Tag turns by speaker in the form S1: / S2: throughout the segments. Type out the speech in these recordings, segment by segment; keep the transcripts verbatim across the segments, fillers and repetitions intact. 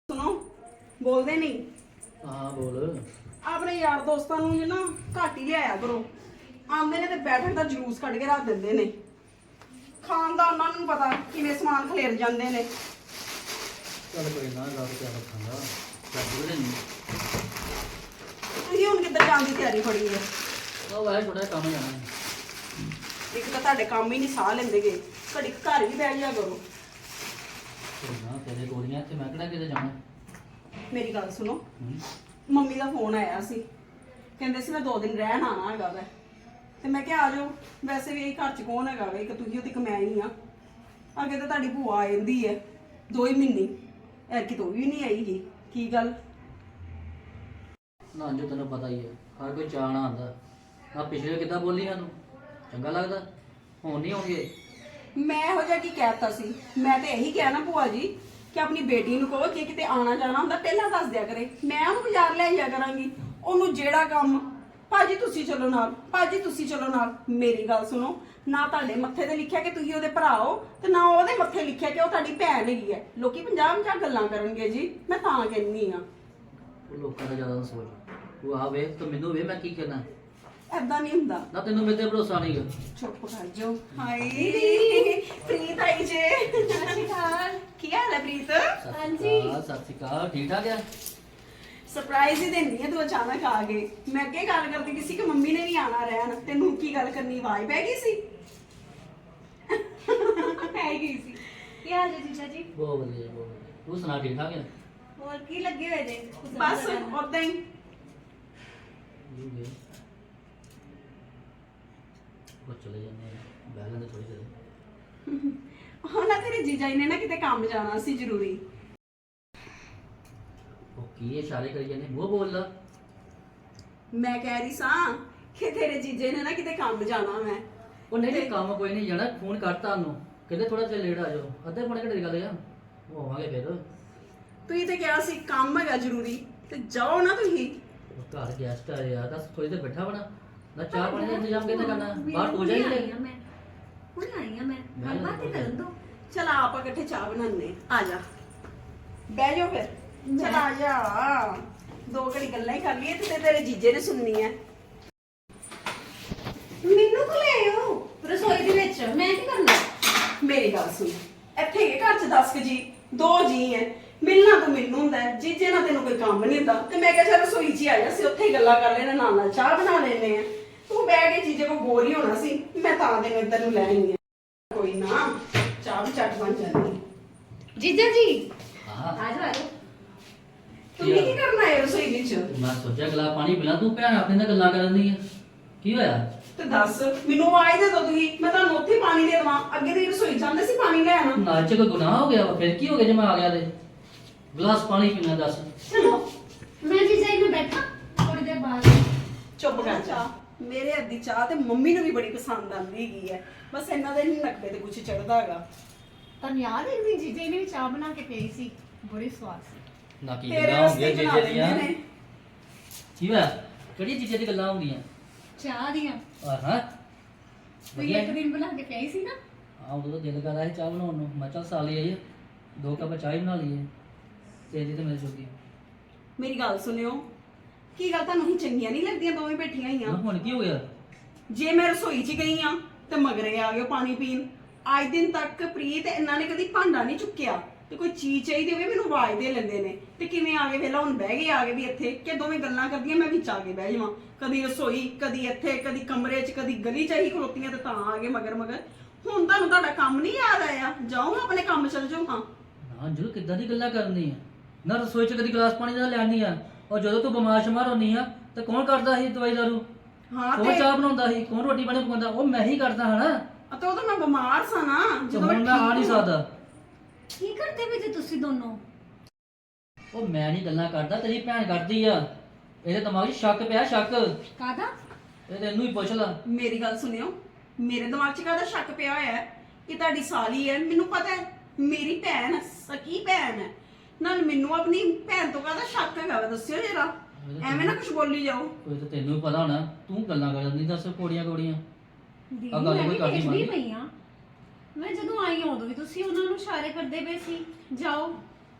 S1: ਸੁਣੋ ਬੋਲਦੇ ਨਹੀਂ।
S2: ਹਾਂ ਬੋਲ।
S1: ਆਪਣੇ ਯਾਰ ਦੋਸਤਾਂ ਨੂੰ ਜੇ ਨਾ ਘੱਟ ਹੀ ਲਿਆਇਆ ਕਰੋ। ਆਉਂਦੇ ਨੇ ਤੇ ਬੈਠਣ ਦਾ ਜਲੂਸ ਕੱਢ ਕੇ ਰੱਖ ਦਿੰਦੇ ਨੇ। ਖਾਣ ਦਾ ਉਹਨਾਂ ਨੂੰ ਪਤਾ ਕਿਵੇਂ ਸਮਾਨ ਖਲੇਰ ਜਾਂਦੇ ਨੇ।
S2: ਚੱਲ ਕੋਈ ਨਾ ਰੱਬ ਤੇ ਰੱਖਾਂਗਾ। ਚੱਲ ਨਹੀਂ
S1: ਤੁਸੀਂ ਹੁਣ ਕਿੱਧਰ ਜਾਣ ਦੀ ਤਿਆਰੀ ਫੜੀ ਹੈ?
S2: ਉਹ ਵਾਹ ਥੋੜਾ ਕੰਮ ਜਾਣਾ ਹੈ।
S1: ਇੱਕ ਤਾਂ ਤੁਹਾਡੇ ਕੰਮ ਹੀ ਨਹੀਂ ਸਾਹ ਲੈਂਦੇਗੇ। ਘੜੀ ਕੁ ਘਰ ਵੀ ਬਹਿ ਜਾ ਕਰੋ।
S2: ਕੋਈ ਨਾ ਤੇਰੇ ਗੋਲੀਆਂ ਤੇ ਮੈਂ ਕਿਹੜਾ ਕਿਤੇ ਜਾਣਾ।
S1: ਮੇਰੀ ਗੱਲ ਸੁਣੋ,
S2: ਹੂੰ।
S1: ਮੰਮੀ ਦਾ ਫੋਨ ਆਇਆ ਸੀ, ਕਹਿੰਦੇ ਸੀ ਮੈਂ ਦੋ ਦਿਨ ਰਹਿਣ ਆਣਾ ਹੈਗਾ ਵੈ। ਤੇ ਮੈਂ ਕਿਹਾ ਆ ਜਾਓ। ਵੈਸੇ ਵੀ ਇਹ ਘਰ ਚ ਕੌਣ ਹੈਗਾ ਵੇ, ਇੱਕ ਤੁਸੀਂ ਤੇ ਇੱਕ ਮੈਂ ਹੀ ਆ। ਅੱਗੇ ਤਾਂ ਤੁਹਾਡੀ ਭੂਆ ਆ ਜਾਂਦੀ ਹੈ ਦੋ ਹੀ ਮਹੀਨੇ, ਐਰਕੀ ਤੋਂ ਵੀ ਨਹੀਂ ਆਈ ਜੀ। ਕੀ ਗੱਲ?
S2: ਨਾ ਜੋ ਤੈਨੂੰ ਪਤਾ ਹੀ ਹੈ ਹਰ ਕੋਈ ਚਾਹਣਾ ਆਉਂਦਾ। ਆ ਪਿਛਲੇ ਕਿੱਦਾਂ ਬੋਲੀ ਸਾਨੂੰ ਚੰਗਾ ਲੱਗਦਾ, ਹੁਣ ਨਹੀਂ ਆਉਣਗੇ।
S1: ਮੈਂ ਇਹੋ ਜਿਹਾ ਕੀ ਕਹਿਤਾ ਸੀ? ਮੈਂ ਤੇ ਇਹੀ ਕਿਹਾ ਨਾ ਭੂਆ ਜੀ ਕਿ ਆਪਣੀ ਬੇਟੀ ਨੂੰ ਕਹੋ ਜੇ ਕਿਤੇ ਆਣਾ ਜਾਣਾ ਹੁੰਦਾ ਪਹਿਲਾਂ ਦੱਸ ਦਿਆ ਕਰੇ, ਮੈਂ ਉਹਨੂੰ ਬਾਜ਼ਾਰ ਲੈ ਜਾਇਆ ਕਰਾਂਗੀ। ਉਹਨੂੰ ਜਿਹੜਾ ਕੰਮ ਭਾਜੀ ਤੁਸੀਂ ਚਲੋ ਨਾਲ, ਭਾਜੀ ਤੁਸੀਂ ਚਲੋ ਨਾਲ। ਮੇਰੀ ਗੱਲ ਸੁਣੋ, ਨਾ ਤੁਹਾਡੇ ਮੱਥੇ ਤੇ ਲਿਖਿਆ ਕਿ ਤੁਸੀਂ ਉਹਦੇ ਭਰਾ ਹੋ, ਤੇ ਨਾ ਉਹਦੇ ਮੱਥੇ ਲਿਖਿਆ ਕਿ ਉਹ ਤੁਹਾਡੀ ਭੈਣ ਹੈਗੀ ਹੈ। ਲੋਕੀ ਪੰਜਾਹ ਪੰਜਾਹ ਗੱਲਾਂ ਕਰਨਗੇ ਜੀ, ਮੈਂ ਤਾਂ ਕਹਿੰਦੀ ਆ।
S2: ਉਹ ਲੋਕਾਂ ਦਾ ਜ਼ਿਆਦਾ ਨਾ ਸੋਚ। ਤੂੰ ਆ ਵੇਖ ਤੂੰ ਮੈਨੂੰ ਵੇ ਮੈਂ ਕੀ ਕਰਨਾ।
S1: ਐਦਾਂ ਨਹੀਂ ਹੁੰਦਾ।
S2: ਨਾ ਤੈਨੂੰ ਮੇਰੇ ਤੇ ਭਰੋਸਾ ਨਹੀਂ ਗਾ।
S1: ਚੁੱਪ ਕਰ ਜਾਓ। ਹਾਏ ਪ੍ਰੀਤ ਆਈ ਜੇ।
S3: ਸਤਿ ਸ਼੍ਰੀ ਅਕਾਲ।
S1: ਕੀ ਹਾਲ ਹੈ ਪ੍ਰੀਤ?
S3: ਹਾਂਜੀ।
S2: ਸਤਿ ਸ਼੍ਰੀ ਅਕਾਲ। ਠੀਕ ਠਾਕ ਆ?
S1: ਸਰਪ੍ਰਾਈਜ਼ ਹੀ ਦਿੰਦੀ ਹੈ ਤੂੰ ਅਚਾਨਕ ਆ ਗਏ। ਮੈਂ ਅੱਗੇ ਗੱਲ ਕਰਦੀ ਸੀ ਕਿ ਮੰਮੀ ਨੇ ਵੀ ਆਣਾ ਰਹਿਣ। ਤੈਨੂੰ ਕੀ ਗੱਲ ਕਰਨੀ, ਆਵਾਜ਼ ਪੈ ਗਈ ਸੀ?
S3: ਪੈ ਗਈ ਸੀ। ਕੀ ਹਾਲ ਹੈ ਜੀਜਾ ਜੀ?
S2: ਬਹੁਤ ਵਧੀਆ ਬਹੁਤ ਵਧੀਆ। ਤੂੰ ਸੁਣਾ ਠੀਕ ਠਾਕ ਆ?
S3: ਹੋਰ ਕੀ ਲੱਗੇ ਹੋਏ ਨੇ?
S1: ਬਸ ਉਦਾਂ ਹੀ।
S2: ਯੂ ਵੇ ਉਹ ਚਲੇ ਜਾਂਦੇ ਆ ਬਹਿ ਲੈਂਦੇ ਥੋੜੀ ਦੇਰ।
S1: ਹਾਂ ਨਾ, ਤੇਰੇ ਜੀਜਾ ਜੀ ਨੇ ਨਾ ਕਿਤੇ ਕੰਮ ਜਾਣਾ ਸੀ ਜ਼ਰੂਰੀ।
S2: ਉਹ ਕੀ ਇਸ਼ਾਰੇ ਕਰੀ ਜਾਂਦੇ, ਮੂੰਹ ਬੋਲ ਲਾ।
S1: ਮੈਂ ਕਹਿ ਰਹੀ ਸਾਂ ਕਿ ਤੇਰੇ ਜੀਜੇ ਨੇ ਨਾ ਕਿਤੇ ਕੰਮ ਜਾਣਾ। ਮੈਂ
S2: ਉਹ ਨਹੀਂ ਨਹੀਂ ਕੰਮ ਕੋਈ ਨਹੀਂ ਜਾਣਾ, ਫੋਨ ਕਰਤਾ ਉਹਨੂੰ ਕਹਿੰਦੇ ਥੋੜਾ ਜਿਹਾ ਲੇਟ ਆ ਜਾਓ। ਅੱਧੇ ਪੌਣੇ ਘੰਟੇ ਦੀ ਗੱਲ ਆ, ਉਹ ਆਵਾਂਗੇ ਫਿਰ।
S1: ਤੁਸੀਂ ਤੇ ਕਿਹਾ ਸੀ ਕੰਮ ਹੈਗਾ ਜ਼ਰੂਰੀ, ਤੇ ਜਾਓ ਨਾ ਤੁਸੀਂ।
S2: ਉਹ ਘਰ ਗੈਸਟ ਆ ਯਾਰ, ਦੱਸ ਥੋੜੀ ਦੇਰ ਬੈਠਾ ਬਣਾ ਨਾ। ਚਾਹ ਪਾਣੀ ਦਾ ਇੰਤਜ਼ਾਮ ਕਿੱਥੇ ਕਰਨਾ, ਬਾਹਰ ਹੋ ਜਾਏਗੀ।
S3: ਆਈ ਆ ਮੈਂ ਹੁਣ ਆਈ ਆ ਮੈਂ ਗੱਲਬਾਤ ਹੀ ਕਰਨ ਦੋ।
S1: ਚਲ ਆਪਾਂ ਇਕੱਠੇ ਚਾਹ ਬਣਾਉਂਦੇ ਆ। ਜਾ ਬਹਿ ਜਾਓ ਫਿਰ। ਚਲ ਆ ਜਾ, ਦੋ ਘੜੀ ਗੱਲਾਂ ਹੀ ਕਰ ਲਈਏ ਤੇ ਤੇਰੇ ਜੀਜੇ ਨੇ ਸੁਣਨੀ ਹੈ।
S3: ਮੈਨੂੰ ਕੋ ਲੈ ਆਓ ਰਸੋਈ ਦੇ ਵਿੱਚ, ਮੈਂ ਕੀ ਕਰਨਾ?
S1: ਮੇਰੀ ਗੱਲ ਸੁਣ, ਇੱਥੇ ਹੈਗੇ ਘਰ ਚ ਦਸ ਕੁ ਜੀ, ਦੋ ਜੀ ਐ। ਮਿਲਣਾ ਤਾਂ ਮੈਨੂੰ ਹੁੰਦਾ ਹੈ, ਜੀਜੇ ਨਾਲ ਤੈਨੂੰ ਕੋਈ ਕੰਮ ਨਹੀਂ ਹੁੰਦਾ। ਤੇ ਮੈਂ ਕਿਹਾ ਚੱਲ ਰਸੋਈ 'ਚ ਹੀ ਆ ਜਾ, ਅਸੀਂ ਉੱਥੇ ਹੀ ਗੱਲਾਂ ਕਰ ਲੈਣੇ, ਨਾਲ ਨਾਲ ਚਾਹ ਬਣਾ ਲੈਣੇ ਆ। ਤੂੰ ਬਹਿ ਕੇ ਜੀਜੇ ਕੋਲ ਬੋਰ ਹੀ ਹੋਣਾ ਸੀ, ਮੈਂ ਤਾਂ ਤੈਨੂੰ ਇੱਧਰ ਨੂੰ ਲੈ ਆਈ ਆ। ਕੋਈ ਨਾ, ਚਾਹ ਵੀ ਚੱਟ ਬਣ ਜਾਂਦੀ।
S3: ਜੀਜਾ ਜੀ
S2: ਹਾਂ
S3: ਆ ਜਾਓ ਆ ਜਾਓ।
S1: ਤੂੰ ਕੀ ਕਰਨਾ ਹੈ ਰਸੋਈ ਵਿੱਚ?
S2: ਮੈਂ ਸੋਚਿਆ ਗਲਾ ਪਾਣੀ ਪੀਣਾ, ਤੂੰ ਭੈਣ ਆਪਣੇ ਨਾਲ ਗੱਲਾਂ ਕਰਨ ਦੀ ਆ। ਕੀ ਹੋਇਆ?
S1: ਤੇ ਦੱਸ ਮੈਨੂੰ ਆਵਾਜ਼ ਦੇ ਦੋ ਤੁਸੀਂ, ਮੈਂ ਤੁਹਾਨੂੰ ਉੱਥੇ ਪਾਣੀ ਦੇ ਦੇਵਾਂ। ਅੱਗੇ ਦੀ ਰਸੋਈ ਜਾਂਦੇ ਸੀ ਪਾਣੀ ਲੈਣ।
S2: ਨਾਲ ਚ ਕੋਈ ਗੁਨਾਹ ਹੋ ਗਿਆ ਵਾ? ਫਿਰ ਕੀ ਹੋ ਗਿਆ ਜੇ ਮੈਂ ਆ ਗਿਆ ਤੇ ਗਲਾਸ ਪਾਣੀ ਪੀਣਾ? ਦੱਸ।
S3: ਚਲੋ ਮੈਂ ਜੀਜਾ ਜੀ ਨੂੰ ਬੈਠਾ ਥੋੜੀ ਦੇਰ ਬਾਅਦ।
S1: ਚੁੱਪ ਕਰ ਜਾ। ਮੇਰੇ ਹੱਥ ਦੀ ਚਾਹ ਤੇ ਮੰਮੀ ਨੂੰ ਵੀ ਬੜੀ ਪਸੰਦ ਆਉਂਦੀ ਹੈਗੀ ਹੈ। ਬਸ ਇਹਨਾਂ ਦੇ ਨਹੀਂ ਨਕਬੇ ਤੇ ਕੁਝ ਚੜਦਾ ਹੈਗਾ।
S3: ਤੁਹਾਨੂੰ ਯਾਦ ਹੈ ਇੱਕ ਦਿਨ ਜੀਜਾ ਜੀ ਨੇ ਵੀ ਚਾਹ ਬਣਾ ਕੇ ਪਈ ਸੀ, ਬੜੀ ਸਵਾਦ ਸੀ।
S2: ਨਾ ਕੀ
S1: ਤੇਰੇ
S2: ਗੱਲਾਂ
S1: ਵਾਸਤੇ
S2: ਹੁੰਦੀਆਂ
S1: ਬਣਾ
S2: ਜੀਜੇ ਦੀਆਂ?
S1: ਲੈਂਦੇ ਨੇ।
S2: ਕੀ ਹੋਇਆ? ਕਿਹੜੀ ਜੀਜੇ ਦੀ ਗੱਲਾਂ ਹੁੰਦੀਆਂ?
S3: ਚਾਹ ਦੀਆਂ
S2: ਆ ਹਾਂ
S3: ਤੁਸੀਂ ਇੱਕ ਦਿਨ ਬਣਾ ਕੇ ਪਈ ਸੀ ਨਾ।
S2: ਹਾਂ ਉਦੋਂ ਤਾਂ ਦਿਲ ਕਰ ਰਿਹਾ ਸੀ ਚਾਹ ਬਣਾਉਣ ਨੂੰ। ਮੈਂ ਚੱਲ ਸਾਲੀ ਆਈ ਆ, ਦੋ ਕੱਪ ਚਾਹ ਹੀ ਬਣਾ ਲਈਏ ਤੇਰੀ ਤੇ ਮੇਰੇ ਜੋਗੀ।
S1: ਮੇਰੀ ਗੱਲ ਸੁਣਿਓ, ਕੀ ਗੱਲ ਤੁਹਾਨੂੰ ਹੀ ਚੰਗੀਆਂ ਨਹੀਂ ਲੱਗਦੀਆਂ ਦੋਵੇਂ ਬੈਠੀਆਂ
S2: ਨਾ
S1: ਹੋਈਆਂ?
S2: ਹੁਣ ਕੀ ਹੋ ਗਿਆ?
S1: ਜੇ ਮੈਂ ਰਸੋਈ 'ਚ ਗਈ ਆ ਤੇ ਮਗਰੇ ਆ ਗਏ ਪਾਣੀ ਪੀਣ। ਅੱਜ ਦਿਨ ਤੱਕ ਪ੍ਰੀਤ ਇਹਨਾਂ ਨੇ ਕਦੀ ਭਾਂਡਾ ਨਹੀਂ ਚੁੱਕਿਆ, ਤੇ ਕੋਈ ਚੀਜ਼ ਚਾਹੀਦੀ ਹੋਵੇ ਮੈਨੂੰ ਆਵਾਜ਼ ਦੇ ਲੈਂਦੇ ਨੇ। ਤੇ ਕਿਵੇਂ ਆ ਗਏ ਵੇਲਾ ਹੁਣ ਬਹਿ ਗਏ ਆ ਗਏ ਵੀ ਇੱਥੇ, ਕਿ ਦੋਵੇਂ ਗੱਲਾਂ ਕਰਦੀਆਂ ਮੈਂ ਵਿੱਚ ਆ ਕੇ ਬਹਿ ਜਾਵਾਂ। ਕਦੀ ਰਸੋਈ, ਕਦੀ ਇੱਥੇ, ਕਦੀ ਕਮਰੇ 'ਚ, ਕਦੀ ਗਲੀ 'ਚ ਹੀ ਖਲੋਤੀਆਂ ਤੇ ਤਾਂ ਆ ਗਏ ਮਗਰ ਮਗਰ। ਹੁਣ ਤੁਹਾਨੂੰ ਤੁਹਾਡਾ ਕੰਮ ਨਹੀਂ ਯਾਦ ਆਇਆ? ਜਾਓ ਆਪਣੇ ਕੰਮ ਚਲ ਜਾਓ। ਹਾਂ
S2: ਨਾ ਜਦੋਂ ਕਿੱਦਾਂ ਦੀ ਗੱਲਾਂ ਕਰਨੀ ਆ? ਨਾ ਰਸੋਈ ਚ ਕਦੀ ਗਲਾਸ ਪਾਣੀ ਦਾ ਲੈਣੀ ਆ। ਔਰ ਜਦੋਂ ਤੂੰ ਬਿਮਾਰ ਸ਼ਮਾਰ ਹੁੰਨੀ ਆ ਤੇ ਕੌਣ ਕਰਦਾ ਸੀ ਦਵਾਈ ਦਾਰੂ?
S1: ਹਾਂ
S2: ਕੌਣ
S1: ਤੇ
S2: ਚਾਹ ਬਣਾਉਂਦਾ ਸੀ? ਕੌਣ ਰੋਟੀ ਪਾਣੀ ਪਕਾਉਂਦਾ? ਉਹ ਮੈਂ ਹੀ ਕਰਦਾ ਹਾਂ ਨਾ।
S1: ਅਤੇ ਉਹ ਤਾਂ ਮੈਂ ਬਿਮਾਰ ਸਾਂ ਨਾ,
S2: ਤੇ
S1: ਜਦੋਂ
S2: ਹੁਣ ਮੈਂ ਆ ਨਹੀਂ ਸਕਦਾ।
S3: ਕੀ ਕਰਦੇ ਵੀ ਜੇ ਤੁਸੀਂ ਦੋਨੋਂ?
S2: ਉਹ ਮੈਂ ਨਹੀਂ ਗੱਲਾਂ ਕਰਦਾ, ਤੇਰੀ ਭੈਣ ਕਰਦੀ ਆ। ਇਹਦੇ ਦਿਮਾਗ 'ਚ ਸ਼ੱਕ ਪਿਆ, ਸ਼ੱਕ।
S3: ਕਾਹਦਾ?
S2: ਇਹ ਤੈਨੂੰ ਹੀ ਪੁੱਛ ਲਾ।
S1: ਮੇਰੀ ਗੱਲ ਸੁਣਿਓ, ਮੇਰੇ ਦਿਮਾਗ 'ਚ ਕਾਹਦਾ ਸ਼ੱਕ ਪਿਆ ਹੋਇਆ ਹੈ ਕਿ ਤੁਹਾਡੀ ਸਾਲੀ ਹੈ? ਮੈਨੂੰ ਪਤਾ ਹੈ ਮੇਰੀ ਭੈਣ ਸਕੀ ਭੈਣ ਹੈ। ਨਾਲ ਮੈਨੂੰ ਆਪਣੀ ਭੈਣ ਤੋਂ ਕਾਹਦਾ ਸ਼ੱਕ ਹੈਗਾ ਵਾ? ਦੱਸਿਓ ਜਰਾ, ਐਵੇਂ ਨਾ ਕੁਝ ਬੋਲੀ ਜਾਓ।
S2: ਕੋਈ ਤਾਂ ਤੈਨੂੰ ਹੀ ਪਤਾ ਹੋਣਾ, ਤੂੰ ਗੱਲਾਂ ਕਰਦੀ ਦੱਸ ਕੋੜੀਆਂ ਕੋੜੀਆਂ।
S3: ਦੀਦੀ
S2: ਆਹ ਗੱਲ
S3: ਮੈਂ
S2: ਕੋਈ
S3: ਵੀ
S2: ਕਰਦੀ
S3: ਦੇਖਦੀ
S2: ਮੰਨਦੀ?
S3: ਪਈ ਆ। ਮੈਂ ਜਦੋਂ ਆਈ ਹਾਂ ਉਦੋਂ ਵੀ ਤੁਸੀਂ ਉਹਨਾਂ ਨੂੰ ਇਸ਼ਾਰੇ ਕਰਦੇ ਪਏ ਸੀ ਜਾਓ।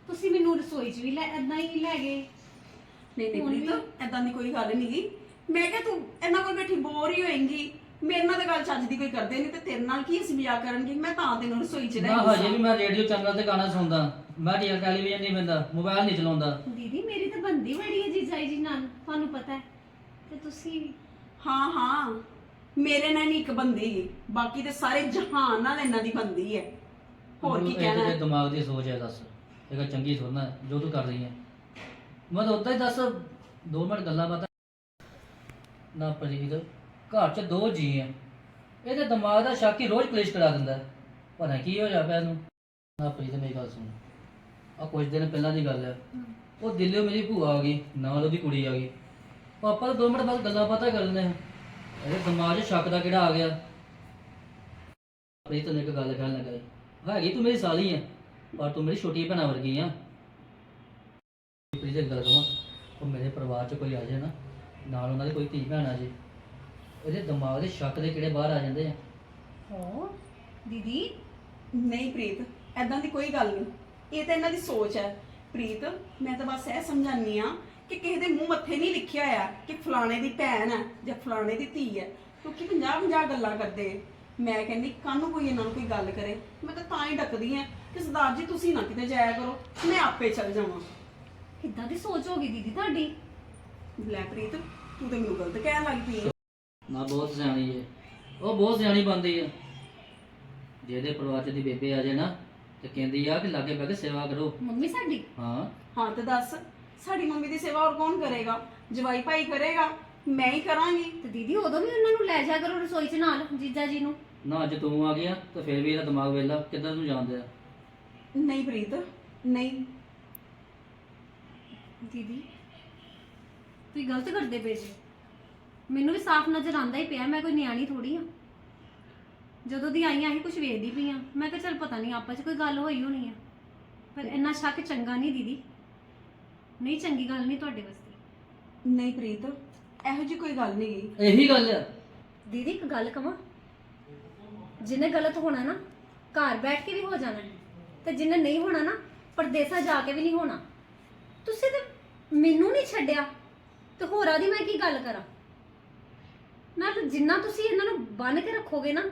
S3: ਤੁਸੀਂ ਮੈਨੂੰ ਰਸੋਈ 'ਚ ਵੀ ਲੈ ਏਦਾਂ ਹੀ ਲੈ ਗਏ।
S1: ਨਹੀਂ ਨਹੀਂ
S3: ਹੁਣ ਵੀ-
S1: ਪ੍ਰੀਤ ਐਦਾਂ ਦੀ ਕੋਈ ਗੱਲ ਨਹੀਂ ਗੀ। ਮੈਂ ਕਿਹਾ ਤੂੰ ਇਹਨਾਂ ਕੋਲ ਬੈਠੀ ਬੋਰ ਹੀ ਹੋਏਂਗੀ, ਮੇਰੇ ਨਾਲ ਤਾਂ ਗੱਲ ਚੱਜ ਦੀ ਕੋਈ ਕਰਦੇ ਨਹੀਂ ਤੇ ਤੇਰੇ ਨਾਲ ਕੀ ਅਸੀਂ ਮਜ਼ਾਕ ਕਰਨਗੇ। ਮੈਂ ਤਾਂ ਤੈਨੂੰ ਰਸੋਈ 'ਚ ਲੈ
S2: ਨਾ
S1: ਗਈ
S2: ਹਜੇ ਵੀ
S1: ਸਾਂ।
S2: ਮੈਂ ਰੇਡੀਓ ਚੈਨਲ ਤੇ ਗਾਣਾ ਸੁਣਦਾ, ਮੈਂ ਟੀ ਟੈਲੀਵਿਜ਼ਨ ਨਹੀਂ ਵੇਖਦਾ, ਮੋਬਾਈਲ ਨਹੀਂ ਚਲਾਉਂਦਾ।
S3: ਦੀਦੀ ਮੇਰੀ ਤਾਂ ਬੰਦੀ ਬੜੀ ਹੈ ਜੀਜਾਈ ਜੀ ਨਾਲ, ਤੁਹਾਨੂੰ ਪਤਾ ਹੈ। ਤੇ ਤੁਸੀਂ
S1: ਹਾਂ ਹਾਂ ਮੇਰੇ ਨਾਲ ਨਹੀਂ ਇੱਕ ਬੰਦੀ ਗੀ, ਬਾਕੀ ਤੇ ਸਾਰੇ ਜਹਾਨ ਨਾਲ ਇਹਨਾਂ ਦੀ ਬੰਦੀ ਹੈ। ਹੋਰ ਕੀ
S2: ਇਹ
S1: ਕਹਿਣਾ
S2: ਤੇਰੇ
S1: ਹੈ?
S2: ਦਿਮਾਗ ਦੀ ਸੋਚ ਹੈ, ਦੱਸ ਇਹ ਗੱਲ ਚੰਗੀ ਸੁਣਨਾ ਜੋ ਤੂੰ ਕਰ ਰਹੀ ਹੈ। ਮੈਂ ਤਾਂ ਉਦਾਂ ਹੀ ਦੱਸ ਦੋ ਮਿੰਟ ਗੱਲਾਂ ਬਾਤਾਂ ਨਾ ਪ੍ਰੀਤ, ਘਰ 'ਚ ਦੋ ਜੀ ਆ, ਇਹਦੇ ਦਿਮਾਗ ਦਾ ਸ਼ੱਕ ਹੀ ਰੋਜ਼ ਕਲੇਸ਼ ਕਰਾ ਦਿੰਦਾ। ਪਤਾ ਕੀ ਹੋ ਜਾ ਪਿਆ ਇਹਨੂੰ। ਨਾ ਪ੍ਰੀਤ ਮੇਰੀ ਗੱਲ ਸੁਣ, ਆ ਕੁਝ ਦਿਨ ਪਹਿਲਾਂ ਦੀ ਗੱਲ ਹੈ, ਉਹ ਦਿੱਲੀੋਂ ਮੇਰੀ ਭੂਆ ਆ ਗਈ, ਨਾਲ ਉਹਦੀ ਕੁੜੀ ਆ ਗਈ। ਪਾਪਾ ਤਾਂ ਦੋ ਮਿੰਟ ਬਾਅਦ ਗੱਲਾਂ ਬਾਤਾਂ ਕਰ ਲੈਂਦੇ ਆ, ਇਹਦੇ ਦਿਮਾਗ 'ਚ ਸ਼ੱਕ ਦਾ ਕਿਹੜਾ ਆ ਗਿਆ। ਪ੍ਰੀਤ ਨੇ ਇੱਕ ਗੱਲ ਕਹਿਣ ਲੱਗਾ, ਹੈਗੀ ਤੂੰ ਮੇਰੀ ਸਾਲੀ ਆ ਪਰ ਤੂੰ ਮੇਰੀ ਛੋਟੀ ਭੈਣਾ ਵਰਗੀ ਆ। ਪ੍ਰੀਤ ਇੱਕ ਗੱਲ ਕਹਾਂ, ਉਹ ਮੇਰੇ ਪਰਿਵਾਰ 'ਚ ਕੋਈ ਆ ਜਾਏ ਨਾ, ਨਾਲ ਉਹਨਾਂ ਦੀ ਕੋਈ ਧੀ ਭੈਣ ਆ ਜੇ, ਇਹਦੇ ਦਿਮਾਗ ਦੇ ਸ਼ੱਕ ਦੇ ਕਿਹੜੇ ਬਾਹਰ ਆ ਜਾਂਦੇ ਆ।
S3: ਹੋ ਦੀਦੀ
S1: ਨਹੀਂ ਪ੍ਰੀਤ ਐਦਾਂ ਦੀ ਕੋਈ ਗੱਲ ਨਹੀਂ, ਇਹ ਤਾਂ ਇਹਨਾਂ ਦੀ ਸੋਚ ਹੈ। ਪ੍ਰੀਤ ਮੈਂ ਤਾਂ ਬਸ ਇਹ ਸਮਝਾਨੀ ਆ ਕਿ ਕਿਸੇ ਦੇ ਮੂੰਹ ਮੱਥੇ ਨਹੀਂ ਲਿਖਿਆ ਹੋਇਆ ਕਿ ਫਲਾਣੇ ਦੀ ਭੈਣ ਹੈ ਜਾਂ ਫਲਾਣੇ ਦੀ ਧੀ ਹੈ, ਕਿਉਂਕਿ ਪੰਜਾਹ ਪੰਜਾਹ ਗੱਲਾਂ ਕਰਦੇ। ਮੈਂ ਕਹਿੰਦੀ ਕੱਲ ਨੂੰ ਕੋਈ ਇਹਨਾਂ ਨੂੰ ਕੋਈ ਗੱਲ ਕਰੇ, ਮੈਂ ਤਾਂ ਤਾਂ ਹੀ ਡੱਕਦੀ ਆ ਕਿ ਸਰਦਾਰ ਜੀ ਤੁਸੀਂ ਨਾ ਕਿਤੇ ਜਾਇਆ ਕਰੋ, ਮੈਂ ਆਪੇ ਚੱਲ ਜਾਵਾਂ।
S3: ਕਿੱਦਾਂ ਦੀ ਸੋਚ ਹੋ ਗਈ ਦੀਦੀ ਤੁਹਾਡੀ।
S1: ਲੈ ਪ੍ਰੀਤ ਤੂੰ ਤਾਂ ਮੈਨੂੰ ਗਲਤ ਕਹਿਣ ਲੱਗ ਪਈ ਹੈ।
S2: ਨਾ ਬਹੁਤ ਸਿਆਣੀ ਹੈ, ਉਹ ਬਹੁਤ ਸਿਆਣੀ ਬਣਦੀ ਹੈ। ਜਿਹਦੇ ਪਰਿਵਾਰ 'ਚ ਦੀ ਬੇਬੇ ਆ ਜਾਏ ਨਾ ਤੇ ਕਹਿੰਦੀ ਆ ਕਿ ਲਾਗੇ ਬਹਿ ਕੇ ਸੇਵਾ ਕਰੋ।
S3: ਮੰਮੀ ਸਾਡੀ
S2: ਹਾਂ
S1: ਹਾਂ ਤੇ ਦੱਸ ਸਾਡੀ ਮੰਮੀ ਦੀ ਸੇਵਾ ਹੋਰ ਕੌਣ ਕਰੇਗਾ? ਜਵਾਈ ਭਾਈ ਕਰੇਗਾ, ਮੈਂ ਹੀ ਕਰਾਂਗੀ।
S3: ਤੇ ਦੀਦੀ ਉਦੋਂ ਵੀ ਉਹਨਾਂ ਨੂੰ ਲੈ ਜਾ ਕਰੋ ਰਸੋਈ 'ਚ ਨਾਲ ਜੀਜਾ ਜੀ ਨੂੰ।
S2: ਨਾ ਅੱਜ ਤੂੰ ਆ ਗਿਆ ਤਾਂ ਫਿਰ ਵੀ ਇਹਦਾ ਦਿਮਾਗ ਵੇਲਾ ਕਿੱਧਰ ਨੂੰ ਜਾਂਦੇ ਆ।
S1: ਨਹੀਂ ਪ੍ਰੀਤ ਨਹੀਂ।
S3: ਦੀਦੀ ਤੁਸੀਂ ਗਲਤ ਕਰਦੇ ਪਏ ਜੀ, ਮੈਨੂੰ ਵੀ ਸਾਫ਼ ਨਜ਼ਰ ਆਉਂਦਾ ਹੀ ਪਿਆ, ਮੈਂ ਕੋਈ ਨਿਆਣੀ ਥੋੜੀ ਆ। ਜਦੋਂ ਦੀ ਆਈਆਂ ਅਸੀਂ ਕੁਝ ਵੇਖਦੀ ਪਈ ਆ, ਮੈਂ ਕਿਹਾ ਚੱਲ ਪਤਾ ਨਹੀਂ ਆਪਸ 'ਚ ਕੋਈ ਗੱਲ ਹੋਈ ਹੋਣੀ ਆ, ਪਰ ਇੰਨਾ ਸ਼ੱਕ ਚੰਗਾ ਨਹੀਂ ਦੀਦੀ, ਨਹੀਂ ਚੰਗੀ ਗੱਲ ਨਹੀਂ ਤੁਹਾਡੇ ਵਾਸਤੇ।
S1: ਨਹੀਂ ਪ੍ਰੀਤ ਇਹੋ ਜਿਹੀ ਕੋਈ ਗੱਲ ਨਹੀਂ ਗੀ।
S2: ਇਹੀ ਗੱਲ ਆ।
S3: ਦੀਦੀ ਇੱਕ ਗੱਲ ਕਵਾਂ, ਜਿਹਨੇ ਗਲਤ ਹੋਣਾ ਨਾ ਘਰ ਬੈਠ ਕੇ ਵੀ ਹੋ ਜਾਣਾ, ਤੇ ਜਿਹਨੇ ਨਹੀਂ ਹੋਣਾ ਨਾ ਪਰਦੇਸਾਂ ਜਾ ਕੇ ਵੀ ਨਹੀਂ ਹੋਣਾ। ਤੁਸੀਂ ਤੇ ਮੈਨੂੰ ਨਹੀਂ ਛੱਡਿਆ ਤੇ ਹੋਰਾਂ ਦੀ ਮੈਂ ਕੀ ਗੱਲ ਕਰਾਂ। ਨਾਲ ਜਿੰਨਾ ਤੁਸੀਂ ਇਹਨਾਂ ਨੂੰ ਬੰਨ ਕੇ ਰੱਖੋਗੇ ਨਾ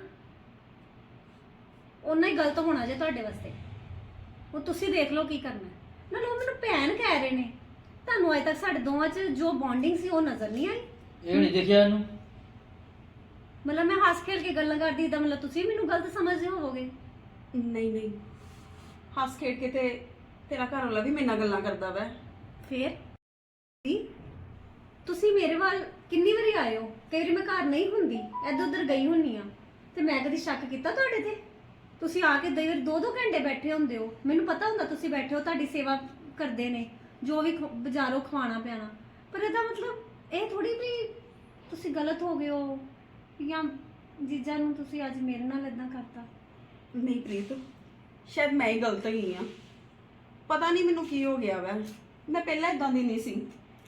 S3: ਓਨਾ ਹੀ ਗਲਤ ਹੋਣਾ ਜੇ ਤੁਹਾਡੇ ਵਾਸਤੇ। ਉਹ ਤੁਸੀਂ ਦੇਖ ਲਓ ਕੀ ਕਰਨਾ। ਨਾਲ ਉਹ ਮੈਨੂੰ ਭੈਣ ਕਹਿ ਰਹੇ ਨੇ, ਤੁਹਾਨੂੰ ਅਜੇ ਤੱਕ ਸਾਡੇ ਦੋਵਾਂ 'ਚ ਜੋ ਬੌਂਡਿੰਗ ਸੀ ਉਹ ਨਜ਼ਰ ਨਹੀਂ ਆਈ।
S2: ਇਹ ਨਹੀਂ ਦੇਖਿਆ ਇਹਨੂੰ।
S3: ਮਤਲਬ ਮੈਂ ਹੱਸ ਖੇਡ ਕੇ ਗੱਲਾਂ ਕਰਦੀ ਤਾਂ ਮਤਲਬ ਤੁਸੀਂ ਮੈਨੂੰ ਗਲਤ ਸਮਝਦੇ ਹੋਵੋਗੇ।
S1: ਨਹੀਂ ਨਹੀਂ ਹੱਸ ਖੇਡ ਕੇ ਤੇ ਤੇਰਾ ਘਰ ਵਾਲਾ ਵੀ ਮੇਰੇ ਨਾਲ ਗੱਲਾਂ ਕਰਦਾ ਵੈ।
S3: ਫੇਰ ਜੀ ਤੁਸੀਂ ਮੇਰੇ ਵੱਲ ਕਿੰਨੀ ਵਾਰੀ ਆਏ ਹੋ? ਕਈ ਵਾਰੀ ਮੈਂ ਘਰ ਨਹੀਂ ਹੁੰਦੀ, ਇੱਧਰ ਉੱਧਰ ਗਈ ਹੁੰਨੀ ਆ, ਤੇ ਮੈਂ ਕਦੀ ਸ਼ੱਕ ਕੀਤਾ ਤੁਹਾਡੇ ਤੇ? ਤੁਸੀਂ ਆ ਕੇ ਕਈ ਵਾਰੀ ਦੋ ਦੋ ਘੰਟੇ ਬੈਠੇ ਹੁੰਦੇ ਹੋ, ਮੈਨੂੰ ਪਤਾ ਹੁੰਦਾ ਤੁਸੀਂ ਬੈਠੇ ਹੋ, ਤੁਹਾਡੀ ਸੇਵਾ ਕਰਦੇ ਨੇ, ਜੋ ਵੀ ਖ- ਬਾਜ਼ਾਰੋਂ ਖਵਾਣਾ ਪਿਆਣਾ, ਪਰ ਇਹਦਾ ਮਤਲਬ ਇਹ ਥੋੜੀ ਵੀ ਤੁਸੀਂ ਗਲਤ ਹੋ ਗਏ ਹੋ ਜਾਂ ਜੀਜਾ ਨੂੰ ਤੁਸੀਂ ਅੱਜ ਮੇਰੇ ਨਾਲ ਇਦਾਂ ਕਰਤਾ।
S1: ਨਹੀਂ ਪ੍ਰੀਤ ਸ਼ਾਇਦ ਮੈਂ ਹੀ ਗਲਤ ਗਈ ਆ, ਪਤਾ ਨਹੀਂ ਮੈਨੂੰ ਕੀ ਹੋ ਗਿਆ ਵੈ। ਮੈਂ ਪਹਿਲਾਂ ਇਦਾਂ ਦੀ ਨਹੀਂ ਸੀ।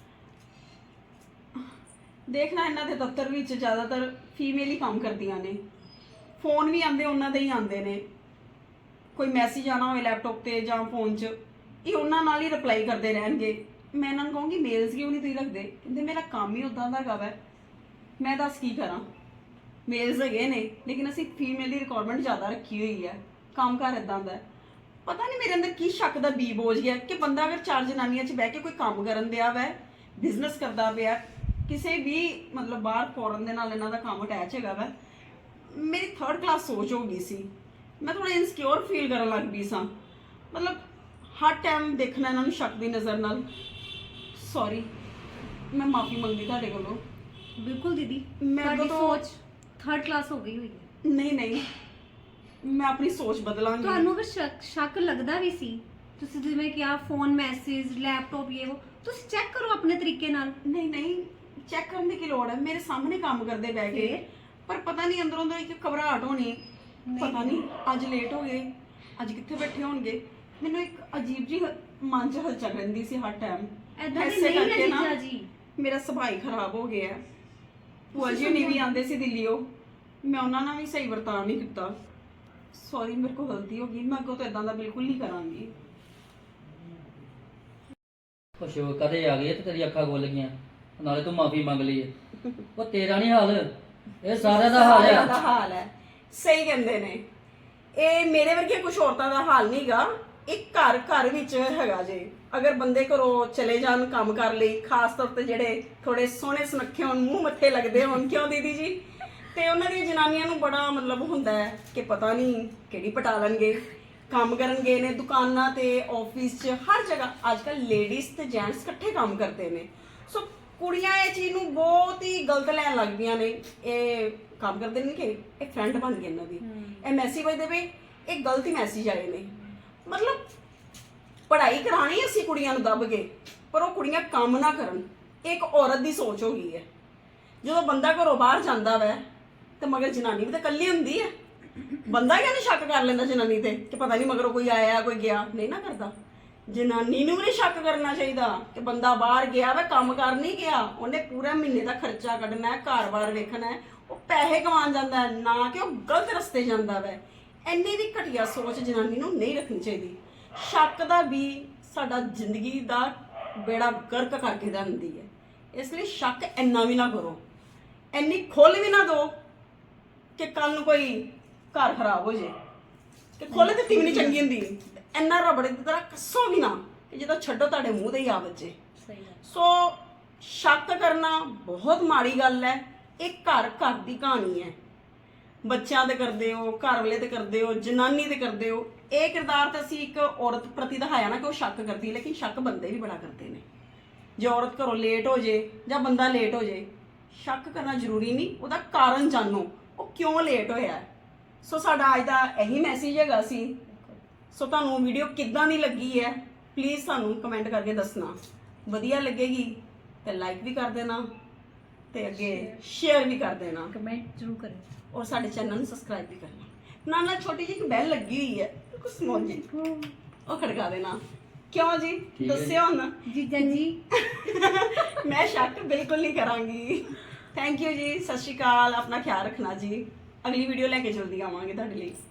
S1: ਦੇਖਣਾ ਇਹਨਾਂ ਦੇ ਦਫ਼ਤਰ ਵਿੱਚ ਜ਼ਿਆਦਾਤਰ ਫੀਮੇਲ ਹੀ ਕੰਮ ਕਰਦੀਆਂ ਨੇ, ਫੋਨ ਵੀ ਆਉਂਦੇ ਉਹਨਾਂ ਦੇ ਹੀ ਆਉਂਦੇ ਨੇ। ਕੋਈ ਮੈਸੇਜ ਆਣਾ ਹੋਵੇ ਲੈਪਟਾਪ ਤੇ ਜਾਂ ਫੋਨ 'ਚ ਇਹ ਉਹਨਾਂ ਨਾਲ ਹੀ ਰਿਪਲਾਈ ਕਰਦੇ ਰਹਿਣਗੇ। ਮੈਂ ਇਹਨਾਂ ਨੂੰ ਕਹੂੰਗੀ ਮੇਲਸ ਕਿਉਂ ਨਹੀਂ ਤੁਸੀਂ ਰੱਖਦੇ? ਕਹਿੰਦੇ ਮੇਰਾ ਕੰਮ ਹੀ ਉਦਾਂ ਦਾ ਹੈਗਾ ਵੈ। ਮੈਂ ਦੱਸ ਕੀ ਕਰਾਂ? ਮੇਲਸ ਹੈਗੇ ਨੇ ਲੇਕਿਨ ਅਸੀਂ ਫੀਮੇਲ ਦੀ ਰਿਕੁਆਇਰਮੈਂਟ ਜ਼ਿਆਦਾ ਰੱਖੀ ਹੋਈ ਹੈ। ਕੰਮ ਕਾਰ ਇਦਾਂ ਦਾ ਪਤਾ ਨਹੀਂ ਮੇਰੇ ਅੰਦਰ ਕੀ ਸ਼ੱਕ ਦਾ ਬੀ ਬੋਝ ਗਿਆ ਕਿ ਬੰਦਾ ਅਗਰ ਚਾਰ ਜਨਾਨੀਆਂ 'ਚ ਬਹਿ ਕੇ ਕੋਈ ਕੰਮ ਕਰਨ ਦਿਆ ਵੈ, ਬਿਜ਼ਨਸ ਕਰਦਾ ਪਿਆ, ਕਿਸੇ ਵੀ ਮਤਲਬ ਬਾਹਰ ਫੋਰਨ ਦੇ ਨਾਲ ਇਹਨਾਂ ਦਾ ਕੰਮ ਅਟੈਚ ਹੈਗਾ ਵੈ, ਮੇਰੀ ਥਰਡ ਕਲਾਸ ਸੋਚ ਹੋ ਗਈ ਸੀ। ਮੈਂ ਥੋੜਾ ਇਨਸਿਕਿਉਰ ਫੀਲ ਕਰਨ ਲੱਗ ਪਈ ਸਾਂ। ਮਤਲਬ ਹਰ ਟਾਈਮ ਦੇਖਣਾ ਇਹਨਾਂ ਨੂੰ ਸ਼ੱਕ ਦੀ ਨਜ਼ਰ ਨਾਲ। ਸੌਰੀ, ਮੈਂ ਮਾਫੀ ਮੰਗਦੀ ਤੁਹਾਡੇ ਕੋਲੋਂ।
S3: ਬਿਲਕੁਲ ਦੀਦੀ,
S1: ਮੈਂ
S3: ਤੁਹਾਡੀ
S1: ਤਾਂ-
S3: ਸੋਚ ਥਰਡ ਕਲਾਸ ਹੋ ਗਈ ਹੋਈ ਹੈ।
S1: ਨਹੀਂ ਨਹੀਂ ਮੈਂ ਆਪਣੀ ਸੋਚ ਬਦਲਾਂਗੀ।
S3: ਤੁਹਾਨੂੰ ਅਗਰ ਸ਼ੱਕ ਸ਼ੱਕ ਲੱਗਦਾ ਵੀ ਸੀ, ਤੁਸੀਂ ਜਿਵੇਂ ਕਿਹਾ ਫੋਨ ਮੈਸੇਜ ਲੈਪਟਾਪ ਇਹ ਉਹ, ਤੁਸੀਂ ਚੈੱਕ ਕਰੋ ਆਪਣੇ ਤਰੀਕੇ ਨਾਲ।
S1: ਨਹੀਂ ਨਹੀਂ ਚੈੱਕ ਕਰਨ ਦੀ ਕੀ ਲੋੜ ਹੈ? ਮੇਰੇ ਸਾਹਮਣੇ ਕੰਮ ਕਰਦੇ ਬਹਿ ਕੇ।
S3: ਫਿਰ?
S1: ਪਰ ਪਤਾ ਨਹੀਂ ਅੰਦਰੋਂ ਅੰਦਰ ਇੱਕ ਘਬਰਾਹਟ ਹੋਣੀ।
S3: ਨਹੀਂ।
S1: ਪਤਾ ਨਹੀਂ ਅੱਜ ਲੇਟ ਹੋ ਗਏ, ਅੱਜ ਕਿੱਥੇ ਬੈਠੇ ਹੋਣਗੇ। ਮੈਨੂੰ ਇੱਕ ਅਜੀਬ ਜੀ ਮਨ 'ਚ ਹਲਚਲ ਰਹਿੰਦੀ ਸੀ ਹਰ ਟਾਈਮ।
S3: ਐਦਾਂ ਦੀ
S1: ਐਸੇ
S3: ਨਹੀਂ ਹੈ
S1: ਕਰਕੇ ਨਾ
S3: ਜੀਜਾ ਜੀ।
S1: ਮੇਰਾ ਸੁਭਾਅ ਹੀ ਖਰਾਬ ਹੋ ਗਿਆ ਹੈ। ਭੂਆ ਜੀ ਹੁਣੀ ਵੀ ਆਂਦੇ ਸੀ ਦਿੱਲੀੋਂ, ਮੈਂ ਉਹਨਾਂ ਨਾਲ ਵੀ ਸਹੀ ਵਰਤਾਅ ਨਹੀਂ ਕੀਤਾ। ਸੌਰੀ, ਮੇਰੇ ਕੋਲ ਗਲਤੀ ਹੋ ਗਈ। ਮੈਂ ਅੱਗੋਂ ਤੋਂ ਇਦਾਂ ਦਾ ਬਿਲਕੁਲ ਨਹੀਂ ਕਰਾਂਗੀ।
S2: ਉਹ ਸ਼ੋਕ ਕਦੇ ਆ ਗਈ ਤੇ ਤੇਰੀ ਅੱਖਾਂ ਖੁੱਲ ਗਈਆਂ, ਨਾਲੇ ਤੂੰ ਮਾਫੀ ਮੰਗ ਲਈ ਹੈ। ਉਹ ਤੇਰਾ ਨਹੀਂ ਹਾਲ, ਇਹ ਸਾਰਿਆਂ ਦਾ ਹਾਲ
S1: ਸਾਰਿਆਂ ਦਾ
S2: ਆ।
S1: ਹਾਲ ਹੈ, ਸਹੀ ਕਹਿੰਦੇ ਨੇ। ਇਹ ਮੇਰੇ ਵਰਗੇ ਕੁਝ ਔਰਤਾਂ ਦਾ ਹਾਲ ਨਹੀਂਗਾ, ਇੱਕ ਘਰ ਘਰ ਵਿੱਚ ਹੈਗਾ ਜੇ। ਅਗਰ ਬੰਦੇ ਘਰੋਂ ਚਲੇ ਜਾਣ ਕੰਮ ਕਰ ਲਈ, ਖਾਸ ਤੌਰ ਤੇ ਜਿਹੜੇ ਥੋੜੇ ਸੋਹਣੇ ਸੁਨੱਖੇ ਹੋਣ, ਮੂੰਹ ਮੱਥੇ ਲੱਗਦੇ ਹੋਣ, ਕਿਉਂ ਦੀਦੀ ਜੀ, ਤੇ ਉਹਨਾਂ ਦੀਆਂ ਜਨਾਨੀਆਂ ਨੂੰ ਬੜਾ ਮਤਲਬ ਹੁੰਦਾ ਹੈ ਕਿ ਪਤਾ ਨਹੀਂ ਕਿਹੜੀ ਪਟਾ ਲੈਣਗੇ। ਕੰਮ ਕਰਨ ਗਏ ਨੇ ਦੁਕਾਨਾਂ ਤੇ, ਆਫਿਸ 'ਚ, ਹਰ ਜਗ੍ਹਾ ਅੱਜ ਕੱਲ ਲੇਡੀਜ਼ ਤੇ ਜੈਂਟਸ ਇਕੱਠੇ ਕੰਮ ਕਰਦੇ ਨੇ। ਸੋ ਕੁੜੀਆਂ ਇਹ ਚੀਜ਼ ਨੂੰ ਬਹੁਤ ਹੀ ਗਲਤ ਲੈਣ ਲੱਗਦੀਆਂ ਨੇ। ਇਹ ਕੰਮ ਕਰਦੇ ਨੇ ਕਿ ਇਹ ਫਰੈਂਡ ਬਣ ਗਈ ਇਹਨਾਂ ਦੀ, ਇਹ ਮੈਸੇਜ ਵਜਦੇ ਪਏ, ਇਹ ਗਲਤੀ ਮੈਸੇਜ ਆਏ ਨੇ। ਮਤਲਬ ਪੜ੍ਹਾਈ ਕਰਾਣੀ ਅਸੀਂ ਕੁੜੀਆਂ ਨੂੰ ਦੱਬ ਕੇ, ਪਰ ਉਹ ਕੁੜੀਆਂ ਕੰਮ ਨਾ ਕਰਨ, ਇਹ ਇੱਕ ਔਰਤ ਦੀ ਸੋਚ ਹੋ ਗਈ ਹੈ। ਜਦੋਂ ਬੰਦਾ ਘਰੋਂ ਬਾਹਰ ਜਾਂਦਾ ਵੈ ਤੇ ਮਗਰ ਜਨਾਨੀ ਵੀ ਤਾਂ ਇਕੱਲੀ ਹੁੰਦੀ ਹੈ। ਬੰਦਾ ਕਿਉਂ ਨਹੀਂ ਸ਼ੱਕ ਕਰ ਲੈਂਦਾ ਜਨਾਨੀ ਤੇ ਕਿ ਪਤਾ ਨਹੀਂ ਮਗਰੋਂ ਕੋਈ ਆਇਆ ਕੋਈ ਗਿਆ? ਨਹੀਂ ਨਾ ਕਰਦਾ। ਜਨਾਨੀ ਨੂੰ ਵੀ ਨਹੀਂ ਸ਼ੱਕ ਕਰਨਾ ਚਾਹੀਦਾ ਕਿ ਬੰਦਾ ਬਾਹਰ ਗਿਆ ਵਾ, ਕੰਮ ਕਰ ਨਹੀਂ ਗਿਆ, ਉਹਨੇ ਪੂਰਾ ਮਹੀਨੇ ਦਾ ਖਰਚਾ ਕੱਢਣਾ ਹੈ, ਘਰ-ਬਾਰ ਵੇਖਣਾ ਹੈ, ਉਹ ਪੈਸੇ ਕਮਾਉਣ ਜਾਂਦਾ ਹੈ, ਨਾ ਕਿ ਉਹ ਗਲਤ ਰਸਤੇ ਜਾਂਦਾ ਵੈ। ਇੰਨੀ ਵੀ ਘਟੀਆ ਸੋਚ ਜਨਾਨੀ ਨੂੰ ਨਹੀਂ ਰੱਖਣੀ ਚਾਹੀਦੀ। ਸ਼ੱਕ ਦਾ ਵੀ ਸਾਡਾ ਜ਼ਿੰਦਗੀ ਦਾ ਬੇੜਾ ਗਰਕ ਕਰਕੇ ਦਿੰਦੀ ਹੈ। ਇਸ ਲਈ ਸ਼ੱਕ ਇੰਨਾ ਵੀ ਨਾ ਕਰੋ, ਇੰਨੀ ਖੁੱਲ੍ਹ ਵੀ ਨਾ ਦਿਓ ਕਿ ਕੱਲ ਨੂੰ ਕੋਈ ਘਰ ਖਰਾਬ ਹੋ ਜੇ। ਕਿ ਖੁੱਲ੍ਹ ਦਿੱਤੀ ਵੀ ਨਹੀਂ ਚੰਗੀ ਹੁੰਦੀ, ਇੰਨਾ ਰਬੜ ਦੀ ਤਰ੍ਹਾਂ ਕੱਸੋ ਵੀ ਨਾ ਕਿ ਜਦੋਂ ਛੱਡੋ ਤੁਹਾਡੇ ਮੂੰਹ ਤੇ ਹੀ ਆ ਵੱਜੇ।
S3: ਸਹੀ ਗੱਲ।
S1: ਸੋ ਸ਼ੱਕ ਕਰਨਾ ਬਹੁਤ ਮਾੜੀ ਗੱਲ ਹੈ। ਇਹ ਘਰ ਘਰ ਦੀ ਕਹਾਣੀ ਹੈ। ਬੱਚਿਆਂ ਤੇ ਕਰਦੇ ਹੋ, ਘਰ ਵਾਲੇ ਤੇ ਕਰਦੇ ਹੋ, ਜਨਾਨੀ ਤੇ ਕਰਦੇ ਹੋ। ਇਹ ਕਿਰਦਾਰ ਤਾਂ ਅਸੀਂ ਇੱਕ ਔਰਤ ਪ੍ਰਤੀ ਦਿਖਾਇਆ ਨਾ ਕਿ ਉਹ ਸ਼ੱਕ ਕਰਦੀ, ਲੇਕਿਨ ਸ਼ੱਕ ਬੰਦੇ ਵੀ ਬੜਾ ਕਰਦੇ ਨੇ। ਜੇ ਔਰਤ ਘਰੋਂ ਲੇਟ ਹੋ ਜੇ ਜਾਂ ਬੰਦਾ ਲੇਟ ਹੋ ਜੇ, ਸ਼ੱਕ ਕਰਨਾ ਜ਼ਰੂਰੀ ਨਹੀਂ, ਉਹਦਾ ਕਾਰਨ ਜਾਣੋ ਉਹ ਕਿਉਂ ਲੇਟ ਹੋਇਆ। ਸੋ ਸਾਡਾ ਅੱਜ ਦਾ ਇਹੀ ਮੈਸੇਜ ਹੈਗਾ ਸੀ। ਸੋ ਤੁਹਾਨੂੰ ਵੀਡੀਓ ਕਿੱਦਾਂ ਦੀ ਲੱਗੀ ਹੈ ਪਲੀਜ਼ ਸਾਨੂੰ ਕਮੈਂਟ ਕਰਕੇ ਦੱਸਣਾ। ਵਧੀਆ ਲੱਗੇਗੀ ਤੇ ਲਾਈਕ ਵੀ ਕਰ ਦੇਣਾ ਤੇ ਅੱਗੇ ਸ਼ੇਅਰ ਵੀ ਕਰ ਦੇਣਾ,
S3: ਕਮੈਂਟ ਜ਼ਰੂਰ ਕਰਿਓ
S1: ਔਰ ਸਾਡੇ ਚੈਨਲ ਨੂੰ ਸਬਸਕ੍ਰਾਈਬ ਵੀ ਕਰਨਾ। ਨਾਲ ਨਾਲ ਛੋਟੀ ਜਿਹੀ ਇੱਕ ਬੈਲ ਲੱਗੀ ਹੋਈ ਹੈ ਕੁਝ ਸਮੋਲ ਜੀ, ਉਹ ਖੜਕਾ ਦੇਣਾ। ਕਿਉਂ ਜੀ
S2: ਠੀਕ ਹੈ
S1: ਦੱਸਿਓ ਹੁਣ।
S3: ਜੀਜਾ ਜੀ
S1: ਮੈਂ ਸ਼ੱਕ ਬਿਲਕੁਲ ਨਹੀਂ ਕਰਾਂਗੀ। ਥੈਂਕ ਯੂ ਜੀ, ਸਤਿ ਸ਼੍ਰੀ ਅਕਾਲ। ਆਪਣਾ ਖਿਆਲ ਰੱਖਣਾ ਜੀ। ਅਗਲੀ ਵੀਡੀਓ ਲੈ ਕੇ ਜਲਦੀ ਆਵਾਂਗੇ ਤੁਹਾਡੇ ਲਈ।